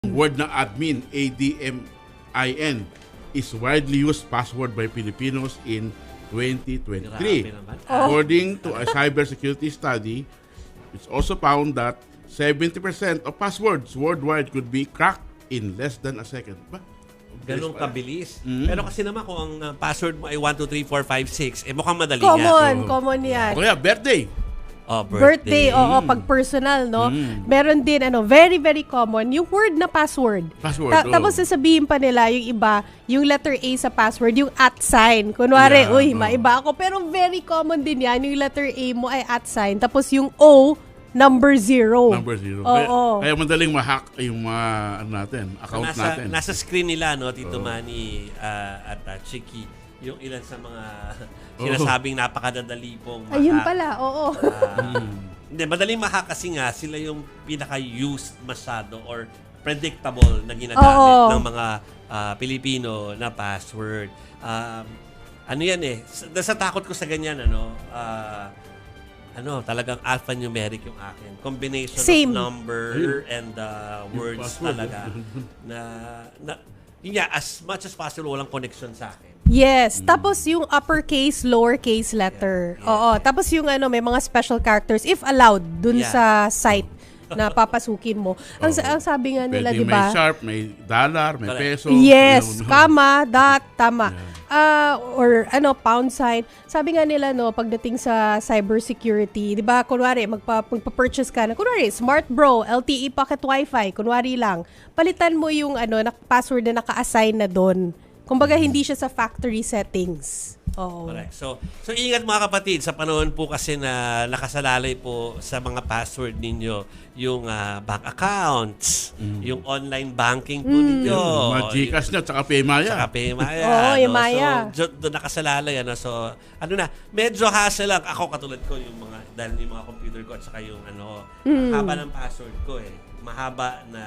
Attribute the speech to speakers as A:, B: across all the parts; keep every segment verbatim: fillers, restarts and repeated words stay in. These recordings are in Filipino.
A: word ng admin, A D M I N, is widely used password by Filipinos in twenty twenty-three. According to a cybersecurity study, it's also found that seventy percent of passwords worldwide could be cracked in less than a second. Ba?
B: Ganong kabilis.
A: Mm.
B: Pero kasi naman kung ang uh, password mo ay one two three four five six, eh mukhang madali
C: Common,
B: nga.
C: common yan.
A: O kaya, birthday.
B: Oh,
C: Birthday,
B: birthday.
C: oo, pag personal, no?
A: Mm.
C: Meron din, ano, very, very common, yung word na password.
A: Password,
C: Ta-
A: oo.
C: Tapos sasabihin pa nila, yung iba, yung letter A sa password, yung at sign. Kunwari,
A: Yeah,
C: uy,
A: oo.
C: maiba ako. Pero very common din yan, yung letter A mo ay at sign. Tapos yung O, number zero.
A: Number zero.
C: Oo.
A: Kaya, kaya madaling ma-hack yung mga ano natin, account
B: nasa,
A: natin.
B: Nasa screen nila, no, Tito
A: Oo.
B: Manny uh, at uh, Chiki, yung ilan sa mga sinasabing napakadadali pong mahack.
C: Ayun pala, oo.
B: Ah,
A: Mm.
B: Hindi, madaling mahack kasi nga sila yung pinaka-used masyado or predictable na ginagamit
C: Oo.
B: ng mga ah, Pilipino na password. Um, ano yan eh, sa, sa takot ko sa ganyan, ano, ah, ano, talagang alphanumeric yung akin. Combination
C: Same.
B: of number and uh,
A: Yung
B: words
A: password,
B: talaga. na, na, yun nga, as much as possible, walang connection sa akin.
C: Yes. Tapos yung uppercase, lowercase letter.
B: Yeah, yeah.
C: Oo. Tapos yung ano, may mga special characters if allowed dun
B: Yeah.
C: sa site na papasukin mo. Ang,
A: Oo.
C: ang sabi nga nila,
A: Pwede
C: di ba?
A: may sharp, may dollar, may
B: Correct.
A: peso.
C: Yes,
A: you know.
C: comma, dot, tama.
A: Yeah.
C: Ah, or ano, pound sign. Sabi nga nila, no, pagdating sa cybersecurity, di ba, kunwari, magpa, magpa-purchase ka na, kunwari, Smart Bro, L T E Pocket Wi-Fi, kunwari lang, palitan mo yung ano, na, password na naka-assign na doon. Kumbaga, hindi siya sa factory settings. Oo.
B: Correct. So, so ingat mga kapatid, sa panahon po kasi na nakasalalay po sa mga password ninyo, yung ah, bank accounts, yung online banking po ninyo.
A: Yung mga Gcash niya, tsaka Paymaya.
B: Saka Paymaya.
C: Oo,
B: no?
C: yung Maya.
B: So, do- doon nakasalalay. Ano? So, ano na, medyo hassle lang. Ako katulad ko, yung mga, dahil yung mga computer ko at saka yung ano, ang haba ng password ko eh. Mahaba na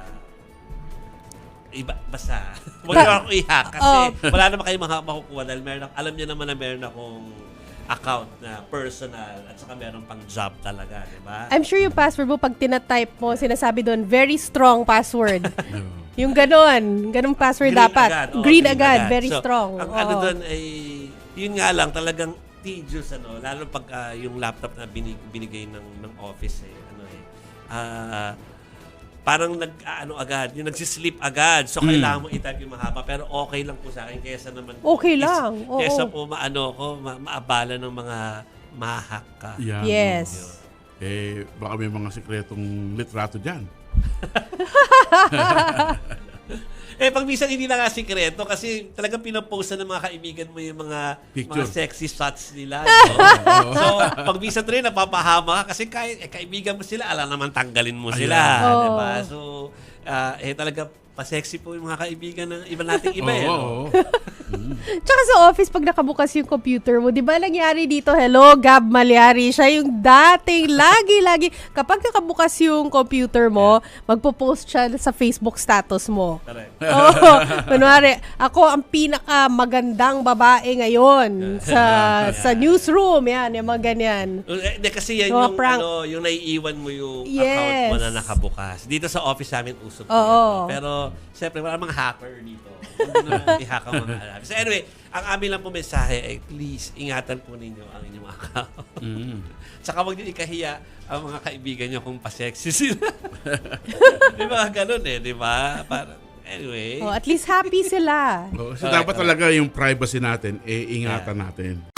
B: iba, basta. Huwag niyo ako i-hack kasi wala naman kayo maka- makukuha dahil meron, ako- alam niyo naman na meron akong account na personal at saka meron pang job talaga, di ba?
C: I'm sure yung password mo, pag tinatype mo, sinasabi doon, very strong password.
A: No.
C: Yung ganon, ganong password
B: Green
C: dapat.
B: agad, oo,
C: green, agad, very
B: So,
C: strong.
B: Ang
C: Oo.
B: ano doon ay, yun nga lang, talagang tedious, ano, lalo pag ah, yung laptop na binig, binigay ng, ng office, eh, ano eh, ah, parang nag, ah, ano agad, yung nagsisleep agad. So, kailangan mo i-type yung mahaba. Pero okay lang po sa akin. Kaysa naman po,
C: Okay
B: is-
C: lang, oo.
B: Kaysa po maano ko, ma- maabala ng mga mahak ka.
A: Yan.
C: Yes.
A: Eh, baka may mga sikretong litrato dyan.
B: Eh, pag minsan hindi na nga sikreto kasi talagang pinapost ng mga kaibigan mo yung mga
A: Picture.
B: mga sexy shots nila. No? So, pag minsan rin napapahama ka kasi kahit eh, kaibigan mo sila, alam naman tanggalin mo sila.
C: Ayan.
B: Diba?
C: Oo.
B: So, ah, eh talaga pa-sexy po yung mga kaibigan ng iba nating iba. eh,
A: Oo,
B: no?
A: oo.
C: Tsaka sa office, pag nakabukas yung computer mo, di ba nangyari dito, hello, Gab Malyari, siya yung dating, lagi-lagi, kapag nakabukas yung computer mo, magpo-post siya sa Facebook status mo.
B: Correct.
C: Oo, kunwari, ako ang pinaka-magandang babae ngayon sa sa newsroom, yan, yung mga ganyan.
B: Eh, Hindi kasi yan
C: Mga
B: yung,
C: prank.
B: ano, yung naiiwan mo yung
C: Yes.
B: account mo na nakabukas. Dito sa office namin, usap po
C: Oo.
B: yan, no? Pero, siyempre, wala mga hacker dito. Huwag naman i-hack ang mga alam. So anyway, ang amin lang po mensahe ay please, ingatan po ninyo ang inyong account.
A: Mm.
B: Saka huwag niyo ikahiya ang mga kaibigan niyo kung pa-sexy sila. Di ba ganun eh, di ba? Parang, anyway.
C: Oh, at least happy sila.
A: Oo, so,
B: Correct,
A: dapat talaga yung privacy natin, eh, ingatan natin.